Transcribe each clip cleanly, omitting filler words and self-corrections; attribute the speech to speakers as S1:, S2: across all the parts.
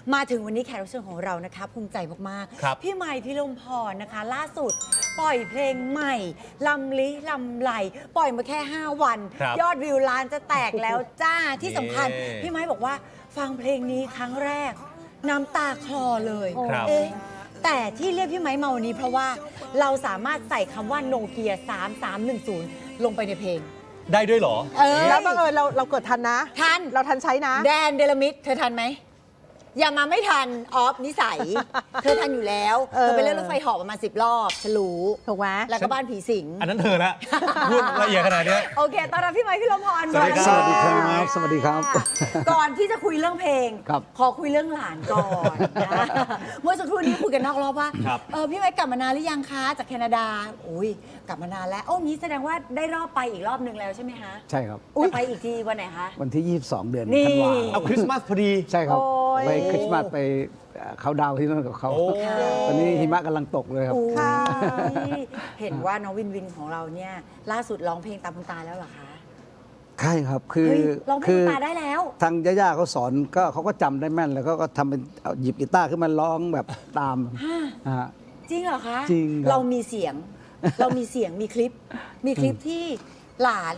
S1: มาถึงวันนี้แขกรับเชิญของเรานะคะภูมิใจมากๆพี่ใหม่พิรมพรนะคะล่าสุดปล่อยเพลงใหม่ลำลิลำไหลปล่อยมาแค่ 5 วัน ยอดวิวล้านจะแตกแล้วจ้าที่สำคัญพี่ไม้บอกว่าฟังเพลงนี้ครั้งแรกน้ำตาคลอเลยเอ๊ะแต่ที่เรียกพี่ไม้มาวันนี้เพราะว่าเราสามารถใส่คำว่าโนเกีย3310ลงไปในเพลง
S2: ได้ด้วยเหรอ
S3: แล้วบังเอิญเราเกิดทันนะ
S1: ทัน
S3: เราทันใช้นะ
S1: แดนเดลมิดเธอทันไหมอย่ามาไม่ทันออฟนิสัยเธอทันอยู่แล้วเธอไปเล่นรถไฟเหาะประมาณ10 รอบฉลู
S3: ถูกไหม
S1: แล้วก็บ้านผีสิง
S2: อันนั้นเธอละพูดละเอียดขนาดนี้
S1: โอเคตอนรับพี่ไมค์พี่ลมพร
S2: สวัสดีครับ
S4: สวัสดีครับ
S1: ก่อนที่จะคุยเรื่องเพลงขอคุยเรื่องหลานก่อนนะเมื่อสักครู่นี้คุยกันนอกรอบว่าพี่ไมค์กลับมานานหรือยังคะจากแคนาดาอุ้ยกลับมานานแล้วโอ้งี้แสดงว่าได้รอบไปอีกรอบนึงแล้วใช่ไหมคะ
S4: ใช่ครับ
S1: จะไปอีกทีวันไหนคะ
S4: วันที่22 เดือนธันวาคม
S2: เอาคริสต์มาสพอดี
S4: ใช่ครับไปคริสต์มาสไปเขาดาวที่นั่นกับเขาตอนนี้หิมะกำลังตกเลยครับ
S1: เห็นว่าน้องวินวินของเราเนี่ยล่าสุดร้องเพลงตามคุณตาแล้วเหรอคะ
S4: ใช่ครับคือ
S1: ร้องเพลงตาได้แล้ว
S4: ทางย่าๆเขาสอนก็เขาก็จำได้แม่นแล้วก็ทำเป็นหยิบกีตาร์ขึ้นมาร้องแบบตาม
S1: จริงเหรอคะ
S4: จริง
S1: เรามีเสียงมีคลิปที่หลาน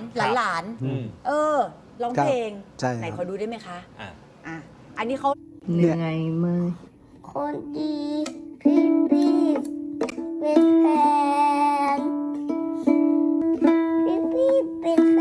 S1: ร้องเพลงไหนขอดูได้ไหมคะอันนี้เขา
S5: เหนื่อยไหมคนดีพี่เป็นแฟนพี่เป็นแฟ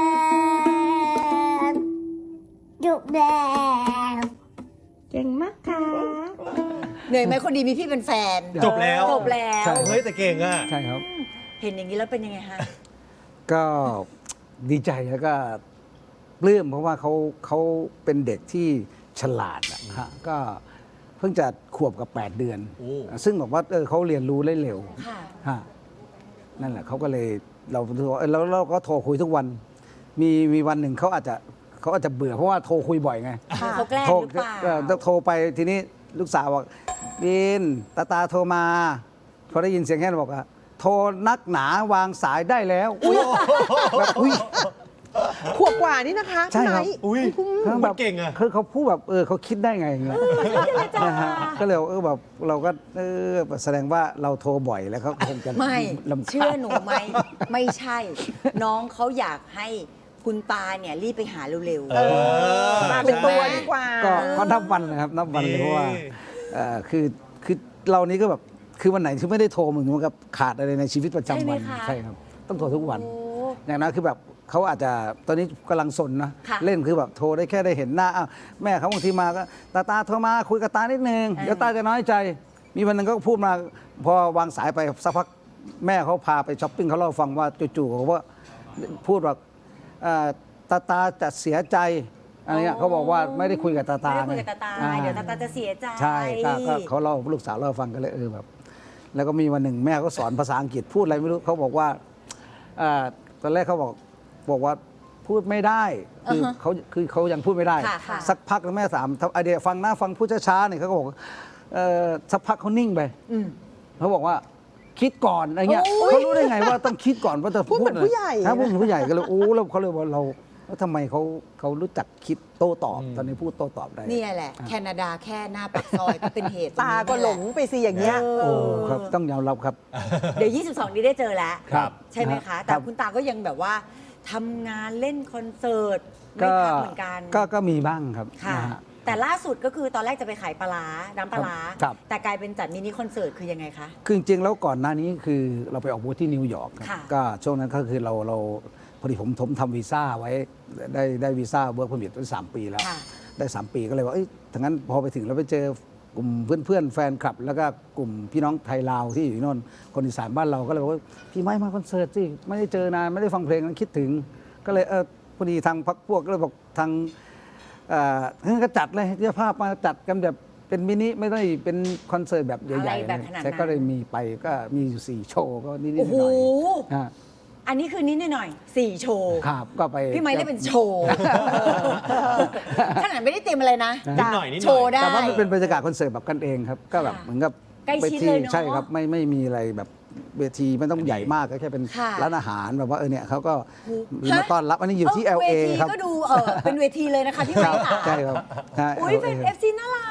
S5: นจุกแดงเก่งมากค่ะ
S1: เหนื่อยไหมคนดีมีพี่เป็นแฟน
S2: จบแล้วเฮ้ยแต่เก่งอ่ะ
S4: ใช่ครับ
S1: เห็นอย่างนี้แล้วเป็นยังไงฮะ
S4: ก็ดีใจแล้วก็ปลื้มเพราะว่าเขาเป็นเด็กที่ฉลาดนะฮะก็เพิ่งจะขวบกับ8 เดือนซึ่งบอกว่าเขาเรียนรู้ได้เร็วนั่นแหละเขาก็เลยเราก็โทรคุยทุกวันมีวันหนึ่งเขาอาจจะเบื่อเพราะว่าโทรคุยบ่อยไง
S1: เขาแกล้งหรือเปล่า
S4: โทรไปทีนี้ลูกสาวบอกบินตาโทรมาพอได้ยินเสียงแค่นั้นบอกว่าโทรนักหนาวางสายได้แล้ว
S3: แบบอุ้ยขวบกว่านี่นะคะ
S4: ใช่ครับ
S2: แบบเก่งอ่ะ
S4: คือเขาพูดแบบเขาคิดได้ไงอย่างเงี้ยนะฮะก็เลยแบบเราก็แสดงว่าเราโทรบ่อยแล้วเขาคงจะ
S1: ไม่เชื่อหนูไหมไม่ใช่ น้องเขาอยากให้คุณตาเนี่ยรีบไปหาเร็ว
S3: ๆมาเป็นตัวดีกว่า
S4: ก็นับวันนะครับนับวันเลยเพราะว่าคือเรานี้ก็แบบคือวันไหนที่ไม่ได้โทรมึงมันกับขาดอะไรในชีวิตประจำวันใช่ครับต้องโทรทุกวันอย่างนั้นคือแบบเขาอาจจะตอนนี้กำลังสนนะเล่นคือแบบโทรได้แค่ได้เห็นหน้าแม่เขาบางทีมาก็ตาโทรมาคุยกับตานิดนึงเดี๋ยวตาจะน้อยใจมีวันนึงก็พูดมาพอวางสายไปสักพักแม่เขาพาไปช้อปปิ้งเขาเล่าฟังว่าจู่ๆเขาว่าพูดว่าตาจะเสียใจอะไรเงี้ยเขาบอกว่าไม่ได้คุยกับตา
S1: ไม่ได้คุยกับตาเดี๋ยวตาจะเสียใจ
S4: ใช่ก็เขาเล่าลูกสาวเล่าฟังกันเลยแบบแล้วก็มีวันหนึ่งแม่เขาสอนภาษาอังกฤษพูดอะไรไม่รู้เขาบอกว่าตอนแรกเขาบอกว่าพูดไม่ได้คือเขายังพูดไม่ได้สักพักแม่ถามไอเดียฟังนะฟังพูดช้าๆเนี่ยเขาก็บอกสักพักเขานิ่งไปเขาบอกว่าคิดก่อนอะไรเงี้ยเขารู้ได้ไงว่าต้องคิดก่อนว่าจะ
S3: พูดเหมือนผู้ใหญ่
S4: ถ้าพูดเหมือนผู้ใหญ่ก็เลยแล้วเขาเลยว่าแล้วทำไมเขารู้จักคิดโต้ตอบตอนนี้พูดโต้ตอบได้
S1: นี่แหละแคนาดาแค่หน้าปากซอยก็เป็นเหตุ
S3: ตาก็หลงไปสิอย่างเงี้ย
S4: ครับต้องยอมรับครับ
S1: เดี๋ยว22นี้ได้เจอแล้วใช่ไหมคะแต่คุณตาก็ยังแบบว่าทำงานเล่นคอนเสิร์ตไม่พักเหมือนกัน
S4: ก็มีบ้างครับ
S1: แต่ล่าสุดก็คือตอนแรกจะไปขายปลาน้ำปลาแต่กลายเป็นจัดมินิคอนเสิร์ตคือยังไงคะ
S4: คือจริงๆแล้วก่อนหน้านี้คือเราไปออกบูธที่นิวยอร์กก็ช่วงนั้นก็คือเราพอดีผมทำวีซ่าไว้ได้วีซ่าเวิร์กพอร์มิทไว้3 ปีแล้วได้3 ปีก็เลยว่าถ้างั้นพอไปถึงเราไปเจอกลุ่มเพื่อนๆแฟนคลับแล้วก็กลุ่มพี่น้องไทยลาวที่อยู่ที่โน่นคนอีสานบ้านเราก็เลยบอกว่าพี่ไม่มาคอนเสิร์ตสิไม่ได้เจอนานไม่ได้ฟังเพลงนั้นคิดถึงก็เลยพอดีทางพรรคพวกก็เลยบอกทางงั้นก็จัดเลยเจ้าภาพมาจัดกันแบบเป็นมินิไม่ได้เป็นคอนเสิร์ตแบบใหญ่ๆใช่ก็เลยมีไปก็มีอยู่4 โชว์ก็นิดๆหน่อย
S1: อันนี้คือนิดหน่อย4 โชว์
S4: ครับก็ไป
S1: พี่ไม้ได้เป็นโชว์ขนาดไม่ได้เต็มอะไรนะ
S2: นิดหน่อย
S1: โชว์ได้
S4: แต่ว่ามันเป็นบรรยากาศคอนเสิร์ตแบบกันเองครับก็แบบเหมือนกับ
S1: ใกล้ชิดเลยเนาะ
S4: ใช่ครับไม่มีอะไรแบบเวทีไม่ต้องใหญ่มากก็แค่เป็นร้านอาหารแบบว่าเนี่ยเขาก็มาต้อนรับอันนี้อยู่ที่ LA ครับ
S1: ก็ดูเป็นเวทีเลยนะคะพี่ไม้ค่ะ
S4: ใช่ครับ
S1: อุ้ยเป็น FC น่ารัก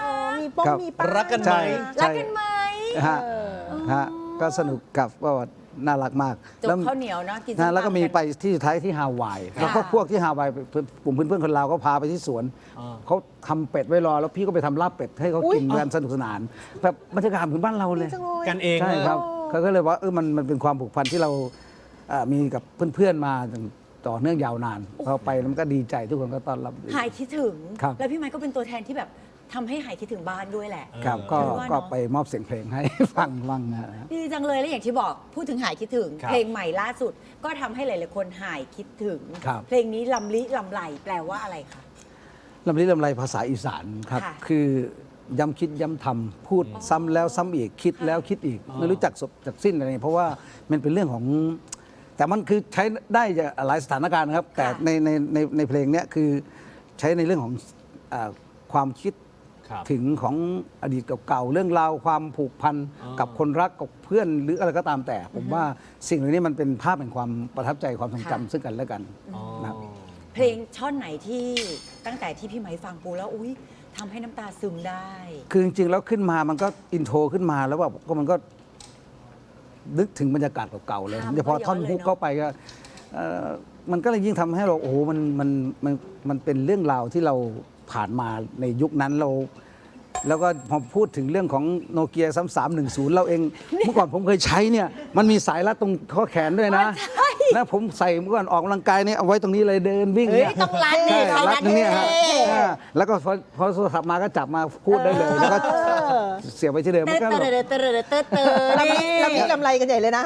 S3: ป้อง
S4: ครับ
S3: มีป้าย
S2: รักกันไหม
S1: รักกันไหม
S4: ฮะฮะก็สนุกกับก็น่ารักมาก
S1: จบข้าวเหนียวเนาะกินส้
S4: แล้วก็มี
S1: ตำน
S4: ไปที่สุดท้ายที่ฮาวาย
S1: ค่ะ
S4: แล้วก็พวกที่ฮาวายกลุ่มเพื่อนๆคนลาวก็พาไปที่สวนเขาทำเป็ดไว้รอแล้วพี่ก็ไปทำลาบเป็ดให้เขากินกันสนุกสนานแบบบรรยากาศเหมือนบ้านเราเลย
S3: จังเลย
S2: กันเอง
S4: ใช่ครับเขาก็เลยว่ามันเป็นความผูกพันที่เรามีกับเพื่อนๆมาต่อเนื่องยาวนานพอไปแล้วมันก็ดีใจทุกคนก็ต้อนรับดี
S1: หายคิดถึง
S4: ครับ
S1: แล้วพี่ไมค์ก็เป็นตัวแทนที่แบบทำให้หายคิดถึงบ้านด้วยแหละ
S4: ครับก็
S1: หรือว่า
S4: ก็
S1: เนาะ
S4: ไปมอบเสียงเพลงให้ฟังบ้างนะ
S1: ดีจังเลยแล้วอย่างที่บอกพูดถึงหายคิดถึง
S2: ครับ
S1: เพลงใหม่ล่าสุด ก็ทำให้หลายๆคนหายคิดถึง
S4: ครับ
S1: เพลงนี้ลำลิลำไหลแปลว่าอะไรคะ
S4: ลำลิลำไรภาษาอีสานครับ
S1: ค่ะ
S4: คือย้ำคิดย้ำทำพูดซ้ำแล้วซ้ำอีกคิดแล้วคิดอีก ไม่รู้จักจบจากสิ้นอะไรเพราะว่ามันเป็นเรื่องของ แต่มันคือใช้ได้หลายสถานการณ์นะครับ แต่ในเพลงเนี้ยคือใช้ในเรื่องของความคิด
S2: ครับ
S4: ถึงของอดีตเก่าๆเรื่องราวความผูกพันกับคนรักกับเพื่อนหรืออะไรก็ตามแต่ ผมว่าสิ่งเหล่านี้มันเป็นภาพแห่งความประทับใจความทรงจำซึ่งกันและกันนะครับ
S1: เพลงช่อนไหนที่ตั้งแต่ที่พี่ไมค์ฟังปูแล้วอุ้ยทำให้น้ำตาซึมได้
S4: คือจริงๆแล้วขึ้นมามันก็อินโทรขึ้นมาแล้วแบบก็มันก็นึกถึงบรรยากาศเก่าๆเลย
S1: ค่ะ
S4: เฉพาะท่อน
S1: มันก็ย้อนเลย
S4: ฮุก
S1: เนอะ
S4: เข้าไปก็มันก็เลยยิ่งทำให้เราโอ้โหมันเป็นเรื่องราวที่เราผ่านมาในยุคนั้นเรา แล้วก็พอพูดถึงเรื่องของโนเกีย3310 เราเอง เมื่อก่อนผมเคยใช้เนี่ยมันมีสายรัดตรงข้อแขนด้วยนะแล้วผมใส่เมื่อก่อนออกกำลังกายเนี่ยเอาไว้ตรงนี้เลยเดินวิ่ง
S1: เฮ้ย
S4: เนี่ย
S1: ต้องรัด
S4: ใช่
S1: นี่เขา
S4: รั
S1: รั
S4: ด
S1: ด
S4: ตรงเนี้ยฮะ
S1: เท่
S4: แล้วก็พอโทรศัพท์มาก็จับมาพูดได้เลยแล้วก็เสียบไปที่เดิม
S1: เต
S4: มันก็
S1: อ
S4: แบบ
S1: เตอเตอเตอเตอ
S3: ลำนี้ลำไรกันใหญ่เลยนะ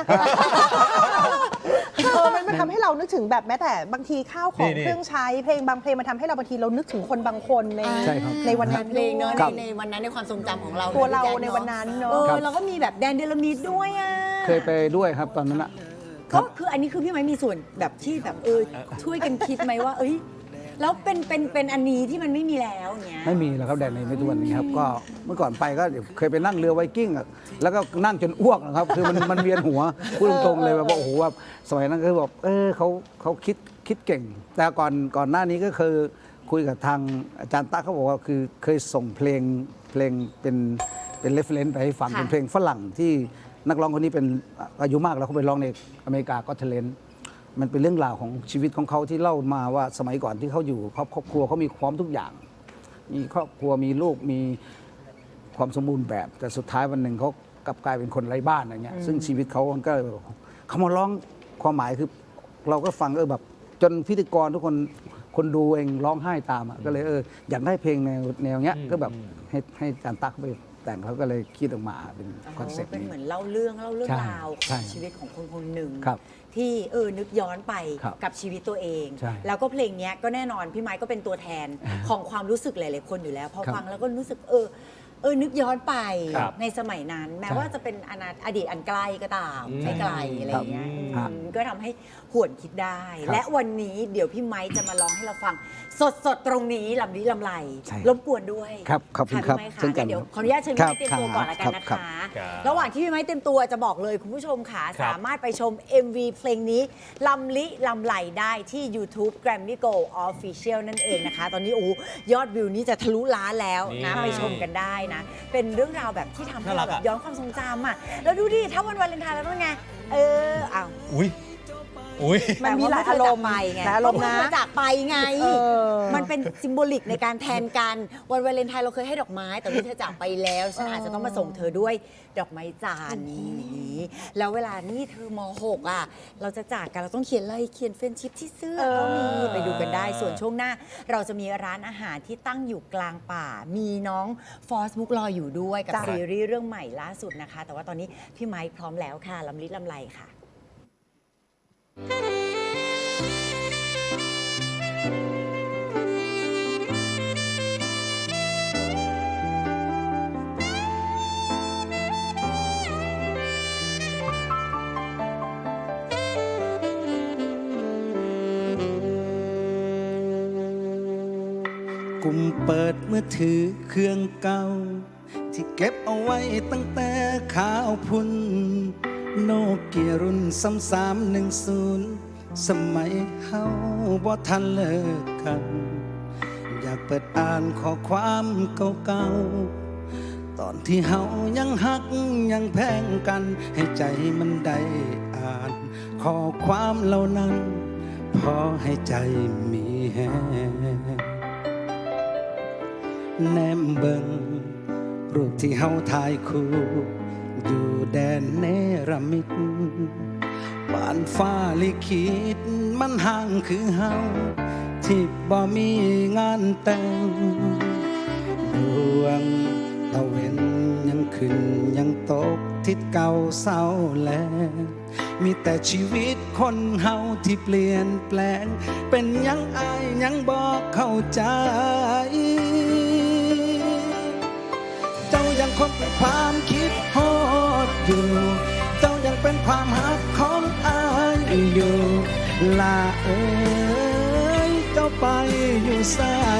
S3: มันทำให้เรานึกถึงแบบแม้แต่บางทีข้าวของ
S2: นี่
S3: เครื่องใช้เพลงบางเพลงมันทำให้เราบางทีเรานึกถึงคนบางคนใน
S4: ใช่ครับ
S3: ในวันนั้น
S1: เพลงเนอะ
S3: ด้วย
S1: ในวันนั้นในความทรงจำของเรา
S3: ตัวเรา
S1: พี่แจ๊ค
S3: ในวันนั้นเนอะ
S1: เราก็มีแบบแดนเดลามิดด้วยอ่ะ
S4: เคยไปด้วยครับตอนนั้นอะ
S1: ก็คืออันนี้คือพี่ไม้มีส่วนแบบที่แบบช่วยกันคิดไหมว่า เอ้ยแล้วเป็นอันนี้ที่มันไม่มีแล้วเนี้ย
S4: ไม่มีแล้วครับแดนในไม่ทุกวันนี้ครับก็เมื่อก่อนไปก็เคยไปนั่งเรือไวกิ้งอะแล้วก็นั่งจนอ้วกนะครับคือมันเวียนหัวพูดตรงๆเลยแบบว่าโอ้โหแบบสมัยนั้นก็แบบเขาคิดเก่ง แต่ก่อนหน้านี้ก็คือคุยกับทางอาจารย์ตั๊กเขาบอกว่าคือเคยส่งเพลงเป็นเรฟเฟรนซ์ไปให้ฟัง
S1: ค่ะ
S4: เป็นเพลงฝรั่งที่นักร้องคนนี้เป็นอายุมากแล้วเขาไปร้องในอเมริกาก็เทเลนมันเป็นเรื่องราวของชีวิตของเขาที่เล่ามาว่าสมัยก่อนที่เขาอยู่ครอบครัวเขามีพร้อมทุกอย่าง มีครอบครัวมีลูกมีความสมบูรณ์แบบ แต่สุดท้ายวันหนึ่งเขากลับกลายเป็นคนไร้บ้านอะไรเงี้ยซึ่งชีวิตเขามันก็เลยแบบเขามาร้องความหมายคือเราก็ฟังแบบจนพิธีกรทุกคนดูเองร้องไห้ตามอะก็เลยอยากได้เพลงแนวเนี้ยก็แบบให้อาจารย์ตั๊กไปแต่งเขาก็เลยคิดออกมาเป็นคอนเซ็ปต์
S1: เป็น
S4: นี้
S1: เหมือนเล่าเรื่อง
S4: ใช่
S1: ราวข
S4: ใช่
S1: องชีวิตของคนคนหนึ่ง
S4: ครับ
S1: ที่นึกย้อนไป
S4: ครับ
S1: กับชีวิตตัวเอง
S4: ใช่
S1: แล้วก็เพลงเนี้ยก็แน่นอนพี่ไม้ก็เป็นตัวแทนของความรู้สึกหลายๆคนอยู่แล้วพอ
S4: ครับ
S1: ฟังแล้วก็รู้สึกนึกย้อนไป
S2: ครับ
S1: ในสมัยนั้น แม้
S4: ใช่
S1: ว่าจะเป็นอดีตอันไกลก็ตามไม่ไกลอะไรอย่างเงี้ย
S4: ครับ
S1: ก็ทำให้หวนคิดได้
S4: ครับ
S1: และวันนี้เดี๋ยวพี่ไม้จะมาร้องให้เราฟังสดๆตรงนี้ลำนี้ลำไร
S4: ใช่
S1: รบกวนด้วย
S4: ครับขอบคุณ
S1: ะ
S4: ครับ
S1: พี่ไม้
S4: เช่นกัน
S1: เดี๋ยวขออนุญาตเชิญพี่ไม้เตรียมตัวก่อนละกันนะ
S4: ครั
S1: คะ
S4: บ
S2: ครับ
S1: ระหว่างที่พี่ไม้เตรียมตัวจะบอกเลยคุณผู้ชมค่ะ
S2: ครับ
S1: สามารถไปชม MV เพลงนี้ลำลิลำไหลได้ที่ YouTube Grammy Go Official นั่นเองนะคะ ตอนนี้ยอดวิวนี้จะทะลุล้านแล้วนะ
S2: นี่
S1: ไปชมกันได้นะ เป็นเรื่องราวแบบที่ทำให้
S2: น่ารั
S1: เรา
S2: ก
S1: แบ
S2: อะ
S1: บย้อนความทรงจำอ่ะแล้วดูดิถ้าวันวาเลนไทน์แล้วเป็นไงอ้าว
S2: อุ้ย
S3: มันมีหลายอารมณ์
S1: แต่ว่าเพิ่งจะจากไปไง
S3: หลายอารมณ์นะ
S1: เพิ่งจจากไปไง
S3: เออ
S1: มันเป็นซิมโบลิกในการแทนกันวันวาเลนไทน์เราเคยให้ดอกไม้แต่วันนี้เธอจากไปแล้วฉันอาจจะต้องมาส่งเธอด้วยดอกไม้จันทร์นี้แล้วเวลานี่เธอม .6 อ่ะเราจะจากกันเราต้องเขียนอะไรเขียนเฟรนชิพที่เสื้อก็มีไปดูกันได้ส่วนช่วงหน้า เราจะมีร้านอาหารที่ตั้งอยู่กลางป่า มีน้องฟอสบุ๊กรออยู่ด้วยกับ
S3: จ้ะ
S1: ซีรีส์เรื่องใหม่ล่าสุดนะคะ แต่ว่าตอนนี้พี่ไมค์พร้อมแล้วค่ะลำลิดลำไรค่ะ
S6: กุมเปิดมือถือเครื่องเก่า ที่เก็บเอาไว้ตั้งแต่ข่าวพุ่นโนเกียรุ่น3310 สมัยเฮาบ่ทันเลิกกัน อยากเปิดอ่านข้อความเก่าตอนที่เฮายังหักยังแพงกัน ให้ใจมันได้อ่านข้อความเหล่านั้น พอให้ใจมีแฮงแนมเบิงรูปที่เฮาถ่ายคู่อยู่แดนเนรมิตบ้านฟ้าลิขิตมันห่างคือเฮาที่บ่มีงานแต่งดวงตะเวนยังขึ้นยังตกทิศเก่าเศร้าแลมีแต่ชีวิตคนเฮาที่เปลี่ยนแปลงเป็นยังอายยังบอกเข้าใจเจ้ายังคงเป็นความคิดฮอดอยู่เจ้ายังเป็นความหักของอายอยู่ลาเอ้ยเจ้าไปอยู่ไส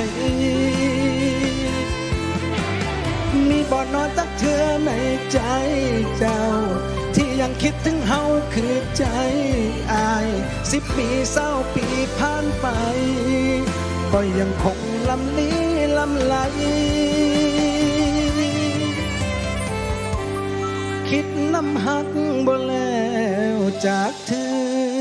S6: มีบ่อนอนตักเธอในใจเจ้าที่ยังคิดถึงเฮาคือใจอาย10 ปี20 ปีผ่านไปก็ยังคงลำลี้ลำไหลคิดน้ำหักบ่แล้วจากเธอ